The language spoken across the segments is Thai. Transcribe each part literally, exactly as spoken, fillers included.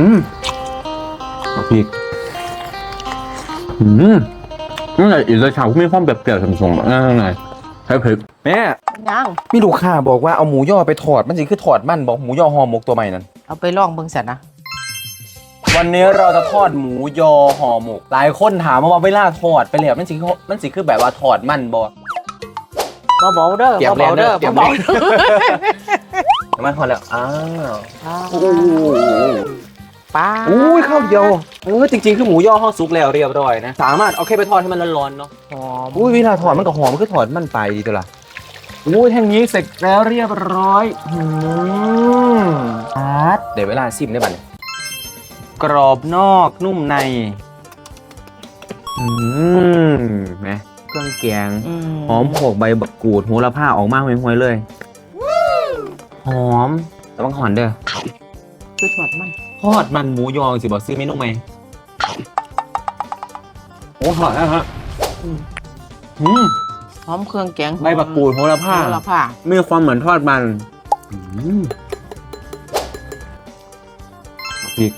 อืมพริกอืมนั่นแหละอีกเลยชาวมีความแบบเปรี้ยวๆสมๆนั่นไงใช้พริกแม่ยังมีลูกค้าบอกว่าเอาหมูย่อไปถอดมันสิคือถอดมันบอกหมูย่อห่อหมกตัวใหม่นั่นเอาไปลองเบิ่งสันนะวันนี้เราจะทอดหมูยอห่อหมกหลายคนถามว่าเวลาทอดไปแล้วมันสิมันสิคือแบบว่าถอดมันบ่เบาๆเด้อเตรียมเบาๆเด้อเตรียมเบาเตรียม มันทอดแล้วอ้าวๆโอ้โหป้าอุ้ยข้าวเดียวเออจริงๆคือหมูย่อห่อสุกแล้วเรียบร้อยนะสามารถเอาแค่ไปทอดให้มันร้อนๆเนาะหอมอุ้ยเวลาถอดมันก็หอมคือถอดมันไปดีตัวละอุ้ยแท่งนี้เสร็จแล้วเรียบร้อยอืมอาร์ตเดี๋ยวเวลาซิมได้บัดนี้กรอบนอกนุ่มในอืมไหมเครื่องแกงอืมหอมโขกใบบักกูดโหระพาออกมาห่วยๆเลยหอมแต่บางหอนเด้อคือทอดมันทอดมันหมูยอสิบอกซื้อเมนูไหมโอ้หอมนะฮะอืมอืมหอมเครื่องแกงใบบักกูดโหระพาโหระพามีความเหมือนทอดมันอืมพริก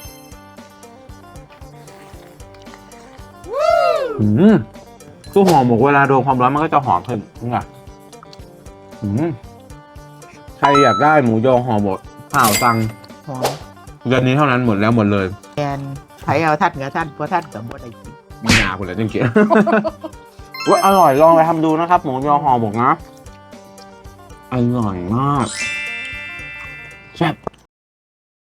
อืมตู้หอมหมกเวลาโดนความร้อนมันก็จะหอมขึ้นนี่ไงอืมใครอยากได้หมูยอห่อหมกเปล่าตังหอมเดือนนี้เท่านั้นหมดแล้วหมดเลยแกนไผเอาทัดกับทัดบ่ทัดกับบ่ได้กินมีนาคุณเลยจริงๆ ว่าอร่อยลองไปทำดูนะครับ หมูยอห่อหมกนะ อร่อยมากแซ่บ